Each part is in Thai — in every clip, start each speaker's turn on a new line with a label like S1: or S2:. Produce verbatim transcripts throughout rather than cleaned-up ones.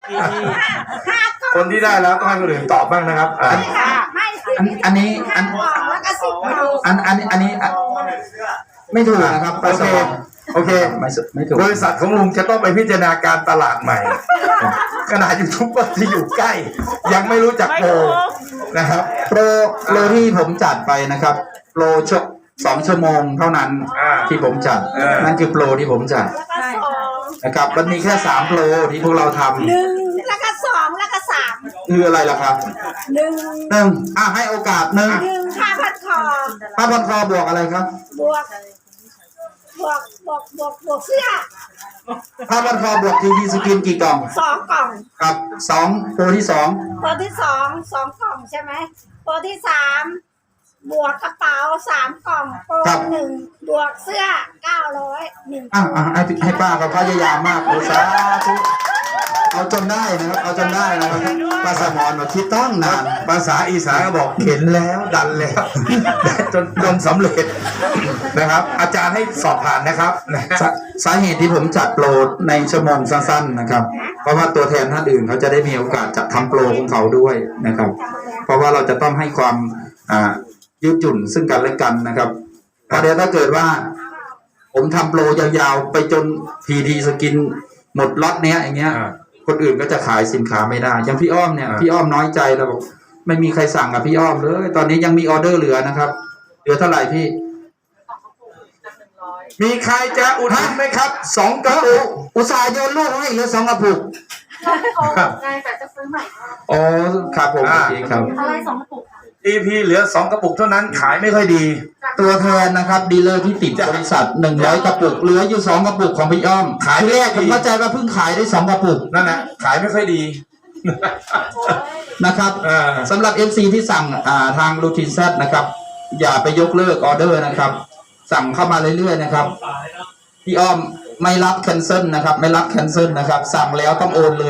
S1: คนที่ได้แล้วต้องให้คนอื่นตอบบ้างนะครับอ่า
S2: อันนี้อันอันอันอันนี้ไม่ถูกนะครับ
S1: โอเคโอเค
S2: ไม่ไม่ถูก
S1: บริษัทของลุงจะต้องไปพิจารณาการตลาดใหม่ขนาดยูทูบเบอร์ที่อยู่ใกล้ยังไม่รู้จักโปรนะครับ
S2: โปรโปรที่ผมจัดไปนะครับโปรชั่วสองชั่วโมงเท่านั้นที่ผมจัดนั่นคือโปรที่ผมจัดนะครับมันมีแค่สามโปรที่พวกเราทำ
S3: หนึ่งแล้วก็สองแล้วก็สาม
S2: คืออะไรล่ะครับ
S3: หนึ่ง
S2: หนึ่งอ่ะให้โอกาสหนึ่ง
S3: หนึ่งค่าพันคอ
S2: ป้าพันคอบวกอะไรครับ
S3: บวกบวกบวกบวกบวกเสื้อ
S2: ป้าพันคอบวกทีวีสกินกี่กล่อง
S3: สองกล่อง
S2: ครับสองโปรที่สอง
S3: ตัวที่สองสองกล่องใช่ไหมตัวที่สามบวกกระเป๋าสามกล่องโปรหนึ่งบวกเสื้อเก้าร้อยหนึ่ง
S2: อ่ะอ่ะให้ให้ป้าเขาพยายามมากโอ้สาธุเอาจนได้นะครับเอาจนได้นะครับป้าสมรมาคิดตั้งนาน
S1: ภาษาอีสานก็บอกเข็นแล้วดันแล้ว จนจนสำเร็จนะครับ อาจารย์ให้สอบผ่านนะครับ
S2: สาสาเหตุที่ผมจัดโปรในชั่วโมงสั้นๆนะครับ เพราะว่าตัวแทนท่านอื่นเขาจะได้มีโอกาสจัดทำโปรของเขาด้วยนะครับ เพราะว่าเราจะต้องให้ความอ่ายืดหยุ่นซึ่งกันและกันนะครับเพราะเดี๋ยวถ้าเกิดว่า ผมทำโปรยาวๆไปจนพีดีสกินหมดล็อตเนี้ยอย่างเงี้ย คนอื่นก็จะขายสินค้าไม่ได้อย่างพี่อ้อมเนี่ยพี่อ้อมน้อยใจแล้วบอกไม่มีใครสั่งกับพี่อ้อมเลยตอนนี้ยังมีออเดอร์เหลือนะครับเหลือเท่าไหร่พี่
S1: มีใครจะอุดหนุนไหมครับสองกระปุก
S2: อุตส่าห์โยนลูกให้เหลือสองกระปุก
S4: ง่ายแต่จะซื้อใหม่
S2: อ๋อครับผมโอเคครับ
S4: อะไรสองกระปุก
S1: อีพีเหลือสองกระปุกเท่านั้นขายไม่ค่อยดี
S2: ตัวแทนนะครับดีลเลอร์ที่ติดบริษัทหนึ่งร้อยกระปุกเหลืออยู่สองกระปุกของพี่อ้อมขายแรกผมเข้าใจว่าเพิ่งขายได้สองกระปุก
S1: นั่นแหละขายไม่ค่อยดี
S2: นะครับ
S1: เออ
S2: สำหรับ เอฟ ซี ที่สั่งอ่าทางรูทีนแซดนะครับอย่าไปยกเลิกออเดอร์นะครับสั่งเข้ามาเรื่อยๆนะครับพี่อ้อมไม่รับแคนเซิลนะครับไม่รับแคนเซิลนะครับสั่งแล้วต้องโอนเลย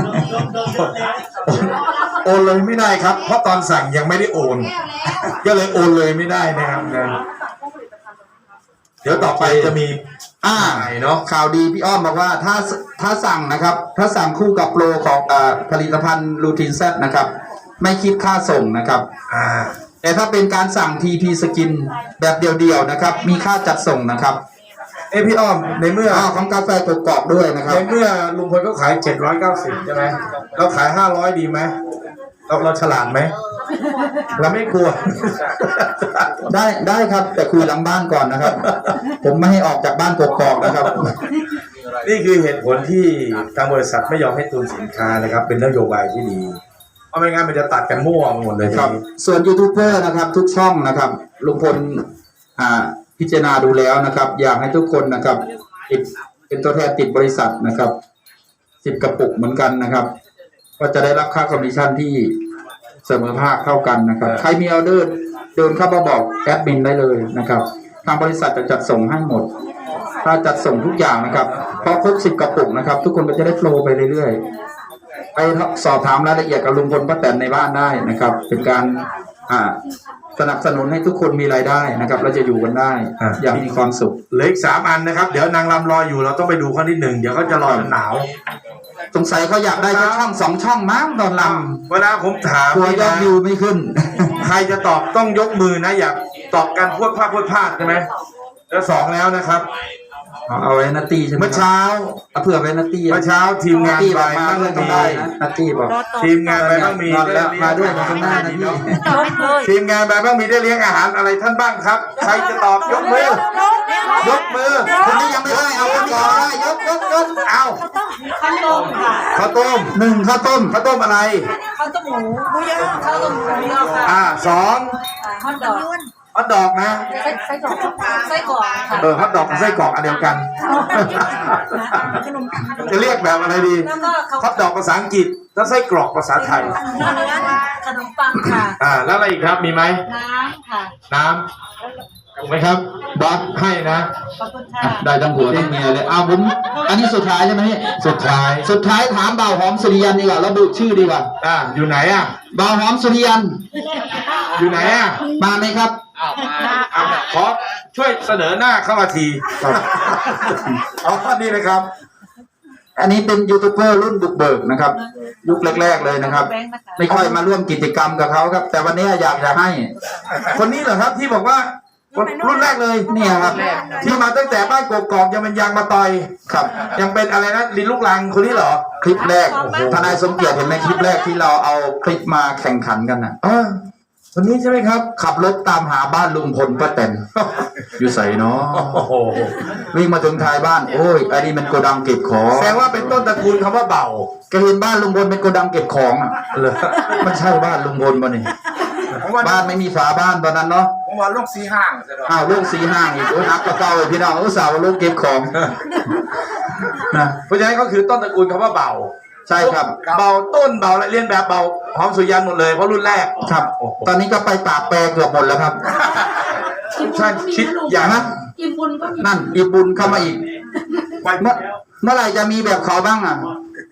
S1: โอนเลยไม่ได้ครับ เพราะตอนสั่งยังไม่ได้โอน ก็เลยโอนเลยไม่ได้นะครับนะเดี๋ยวต่อไปจะมี
S2: อ่า
S1: ใหม่เนาะ
S2: ข่าวดีพี่อ้อมบอกว่าถ้าถ้าสั่งนะครับ ถ้าสั่งคู่กับโปรของอ่าผลิตภัณฑ์รูทีนแซดนะครับ ไม่คิดค่าส่งนะครับ
S1: อ่า
S2: แต่ถ้าเป็นการสั่ง ที พี สกินแบบเดียวๆนะครับ มีค่าจัดส่งนะครับ
S1: เอ้พี่อ้อมในเมื่อ
S2: อ่าของกาแฟกรอบๆด้วยนะครับ
S1: ในเมื่อลุงพลก็ขายเจ็ดร้อยเก้าสิบใช่ไหมเราขายห้าร้อยดีไหมเราเราฉลาดไหมเราไม่กลัว
S2: ได้ได้ครับแต่คุยหลังบ้านก่อนนะครับ ผมไม่ให้ออกจากบ้านกกอกนะครับ
S1: นี่คือเหตุผลที่ทางบริษัทไม่ยอมให้ตุนสินค้านะครับ เป็นนโยบายที่ดีเพราะไม่งั้นมันจะตัดกันมั่วหมดเลย
S2: ครับ ส่วนยูทูบเบอร์นะครับ ทุกช่องนะครับลุงพลอ่าพิจารณาดูแล้วนะครับ อยากให้ทุกคนนะครับติดเป็นตัวแทนติดบริษัทนะครับสิบกระปุกเหมือนกันนะครับ ก็จะได้รับค่าคอมมิชชั่นที่เสมอภาคเท่ากันนะครับ ใครมีออเดอร์เดินเข้ามาบอกแอดมินได้เลยนะครับทางบริษัทจะจัดส่งให้หมด ถ้าจัดส่งทุกอย่างนะครับพอครบสิบกระปุกนะครับ ทุกคนก็จะได้โฟลว์ไปเรื่อยๆไปสอบถามรายละเอียดกับลุงพลป้าแตนในบ้านได้นะครับ เป็นการอ่าสนับสนุนให้ทุกคนมีรายได้นะครับเราจะอยู่กันได้อย่างมีความสุข
S1: เหลืออีกสามอันนะครับ เดี๋ยวนางรำรออยู่เราต้องไปดูข้อที่หนึ่งเดี๋ยวเขาจะรอจนหนาว
S2: สงสัยเขาอยากได้แค่ช่องสองช่องมั้งตอนล
S1: เวลาผมถาม
S2: ำตัวยอดวิวไม่ขึ้น
S1: ใครจะตอบต้องยกมือนะ อยากตอบกันพวดพลาดพวดพลาดใช่ไหมแล้วสองแล้วนะครับ
S2: เอาเอาไว้นัตตี้ใช่ไหม
S1: เมื่อเช้า
S2: เอาเผื่อไว้นัตตี้
S1: เมื่อเช้าทีมงาน
S2: ตี้
S1: ไป
S2: บอกมา
S1: บ้าง
S2: ด้วยต้อง
S1: มี
S2: ได้นะนัตตี้บอก
S1: ทีมงานไปบ้างมี
S2: นอนแล้วมาด้วยมาข้างหน้านะพี่
S1: ทีมงานไปบ้างมีได้เลี้ยงอาหารอะไรท่านบ้างครับ ใครจะตอบยกมือยกมือ
S2: คนนี้ยังไม่ได้เอาคนนี้ก่อนได้ยกยกยก
S1: เอา
S4: ข้าวต้มค่ะ
S1: ข้าวต้ม
S2: หนึ่งข้าวต้ม
S1: ข้าวต้มอะไร
S4: ข้าวต้มหมูหมูย่างข้าวต้มหมูย่างค่ะ
S1: อ่าสอง
S4: ฮอทดอก
S1: ฮอทดอกนะ
S4: ไส้ไส้กรอกไส้กรอกค่ะ
S1: เออฮอทดอกกับไส้กรอกอันเดียวกัน จะเรียกแบบอะไรดี
S4: แล้วก็ข้าว
S1: ฮอทดอกภาษาอังกฤษแล้วไส้กรอกภาษาไทย
S4: ขนมปังค่ะ
S1: อ่าแล้วอะไรอีกครับมีไหม
S4: น้ำค่ะ
S1: น้ำถูกไหมครับบอสให้นะ
S4: ขอบคุณค่ะ
S2: ได้ทั้งผัวทั้งเมียเลยอ้าวผมอันนี้สุดท้ายใช่ไหมพี่
S1: สุดท้าย
S2: สุดท้ายถามบ่าวหอมสุริยันดีกว่าระบุชื่อดีกว่า
S1: อ่าอยู่ไหนอ่ะ
S2: บ่าวหอมสุริยัน
S1: อยู่ไหนอ่ะ
S2: มาไหมครับ
S1: อ่าขอช่วยเสนอหน้าเข้ามาทีครับอ๋อนี่นะครับ
S2: อันนี้เป็นยูทูบเบอร์รุ่นบุกเบิกนะครับ ยุคแรก ๆเลยนะครับ
S4: แบงค์นะคะ
S2: ไม่ค่อยมาร่วมกิจกรรมกับเขาครับ แต่วันนี้อยากจะให้
S1: คนนี้เหรอครับที่บอกว่ารุ่นแรกเลย
S2: เนี่ยครับ
S1: ที่มาตั้งแต่บ้านกกอกยังเป็นยางมาต่อย
S2: ครับ
S1: ยังเป็นอะไรนะลินลูกลังคนนี้เหรอ
S2: คลิปแรกทนายสมเกียรติเห็นไหมคลิปแรกที่เราเอาคลิปมาแข่งขันกันนะ
S1: เออคนนี้ใช่ไหมครับ
S2: ขับรถตามหาบ้านลุงพลป้าแตน อยู่ใส่เนาะ
S1: โอ้โห
S2: วิ่งมาถึงท้ายบ้าน โอ้ยอันนี้มันโกดังเก็บของ
S1: แสดงว่าเป็นต้นตระกูลคำว่าเบา
S2: ก็เห็นบ้านลุงพลเป็นโกดังเก็บของอ่ะ
S1: เลย
S2: มันใช่บ้านลุงพลป่ะนี่
S5: ผมว่า
S2: บ้านไม่มีฝาบ้านตอนนั้นเนาะ
S5: ผมว่าลูกสีห้างใช่ไหม
S2: อ้าวลูกสีห้างอีกโอ้ยนักก็เก่าเลยพี่น้องอุตส่าห์ว่าลูกเก็บของนะ
S1: เพราะฉะนั้นก็คือต้นตระกูลคำว่าเบา
S2: ใช่ครับ
S1: เบาต้นเบาและเลียนแบบเบาหอมสุริยันหมดเลยเพราะรุ่นแรก
S2: ครับ ตอนนี้ก็ไปปากแปรเกือบหมดแล้วครับ
S1: ใช่คิดอย่างนั้น
S4: อิ่มบุญก็มี
S2: นั่นอีบุญเข้ามาอีก เมื่อเมื่อไหร่จะมีแบบเขาบ้างอ่ะ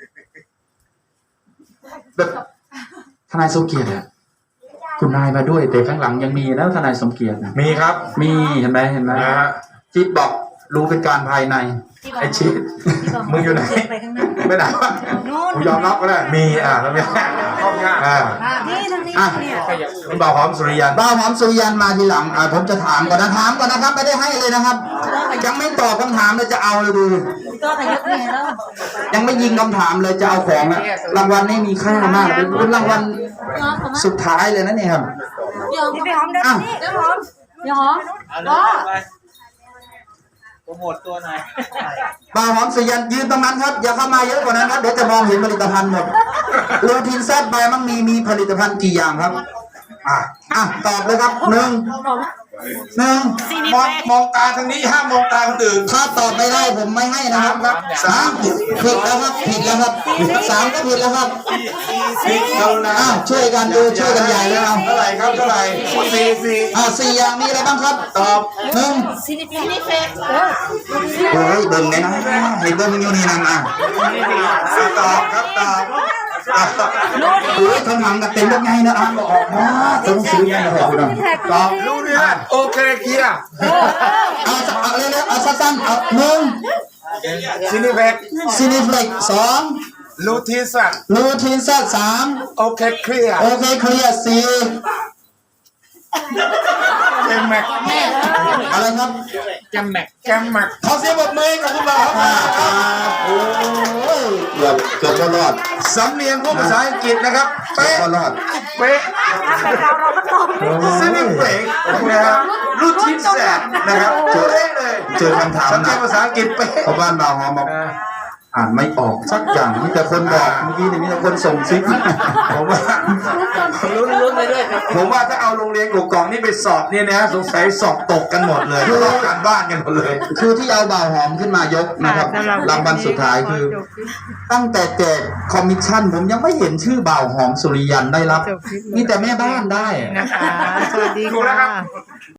S2: แบบทนายสมเกียรติอะคุณนายมาด้วยแต่ข้างหลังยังมีนะทนายสมเกียรตินะ
S1: มีครับ
S2: มีเห็นไหมเห็นไหม
S1: นะฮะ
S2: จิ๊บบอกรู้เป็นการภายใน
S1: ไอชิดมึงอยู่ไหน
S4: ไปข้างหน้า
S1: ไม่ได้วะกูยอมรับก็ได้มีอ่าแล้วเนี่ย
S5: เข้ายาก
S1: อ่า
S3: นี่ทางนี้
S2: อ่ะ
S3: เนี่ย
S1: คุณเบาหอมสุริยัน
S2: บ้าวหอมสุริยันมาทีหลังอ่ะผมจะถามก่อนนะถามก่อนนะครับ ไม่ได้ให้เลยนะครับ ยังไม่ตอบคำถามเลยจะเอาเลยดู
S4: ก็ขยับเนี่ยแล้ว
S2: ยังไม่ยิงคำถามเลยจะเอาของนะรางวัลนี่มีค่ามากเป็นเป็นรางวัล
S4: ยอมผม
S2: สุดท้ายเลยนะเนี่ยครับ
S4: ยอม
S3: นี่ไปหอมเดิน
S2: อ่ะ
S3: นี่เดินหอม
S4: ยอมก็
S5: โปรโมทตัวหน่อย
S2: บ่าวหอมสุริยันยืนตรงนั้นครับอย่าเข้ามาเยอะกว่านั้นครับเดี๋ยวจะมองเห็นผลิตภัณฑ์หมดโรทินแซดใบมั่งมีมีผลิตภัณฑ์กี่อย่างครับ อ่ะอ่ะตอบเลยครับหนึ่งหนึ่ง
S1: มองมองตาทางนี้ห้ามมองตาคนอื่น
S2: ถ้าตอบไม่ได้ผมไม่ให้นะครับสามผิดแล้วครับผิดแล้วครับสามก็ผิดแล้วครับ
S1: สิเรานะ
S2: อ้าวช่วยกันดูช่วยกันใหญ่เลยเอา
S1: เท่าไหร่ครับเท่าไหร่สี่สี่
S2: อ่าสี่อย่างมีอะไรบ้างครับ
S1: ตอบ
S2: หนึ่ง
S3: ซินิเฟกเออ
S2: โอ้ยเบิ่งเลยนะเห็นเบิ่งอยู่นี่นั่นอ่ะ
S1: ตอบครับตอบตอบ
S2: โอ้ยข้างหลังกับเต็มรถไงนะอ่านบอกออกมาต้องซื้อไงนะบอกคุณอ่ะ
S1: ตอบ
S5: รู้เนี่ยโอเคเคลียร์
S2: เอาเอาเร็วๆเอาสั้นๆเอาหนึ่ง
S5: ซินิเวก
S2: ซีนิฟเล็กสอง
S5: ลูทีสัน
S2: ลูทีนแซดสาม
S5: โอเคเคลียร์
S2: โอเคเคลียร์สี่
S5: แกมแม็ก
S2: อะไรครับ
S5: แกมแม็กแกมแม็ก
S1: ขอเสียงปรบมือให้กับคุณเบาครับ
S2: อ่าอ่าโอ้ยเกือบเกือบก็รอด
S1: สำเนียงพวกภาษาอังกฤษนะครับ
S2: เกือบ
S1: เป๊ะ
S2: ก็รอด
S1: เป๊ะ
S3: เราก็ตอบ
S1: ซึ่งนี่เป๊ะนะครับรูททินแสดนะครับเป๊ะเลย
S2: เจอคำถาม
S1: สำ
S2: ห
S1: เนี
S2: นั
S1: ยง
S2: ก
S1: ภาษาอังกฤษเป๊ะ
S2: เพราะบ้านเราหอมบอกอ่านไม่ออกสักอย่างมีแต่คนบอกเมื่อกี้นี่มีแต่คนส่งซิก
S1: ผมว่า
S5: ลุ้นๆไปด้วยครับ
S1: ผมว่าถ้าเอาโรงเรียนกกองนี่ไปสอบเนี่ยนะสงสัยสอบตกกันหมดเลยสอบการบ้านกันหมดเลย
S2: คือที่เอาบ่าวหอมขึ้นมายกนะครับรางวัลสุดท้ายคือ ตั้งแต่แจกคอมมิชชั่นผมยังไม่เห็นชื่อบ่าวหอมสุริยันได้รับมีแต่แม่บ้านได้
S6: นะคะ สวัสดี
S5: ถูกแล้วครั
S6: ค่ะ
S5: บ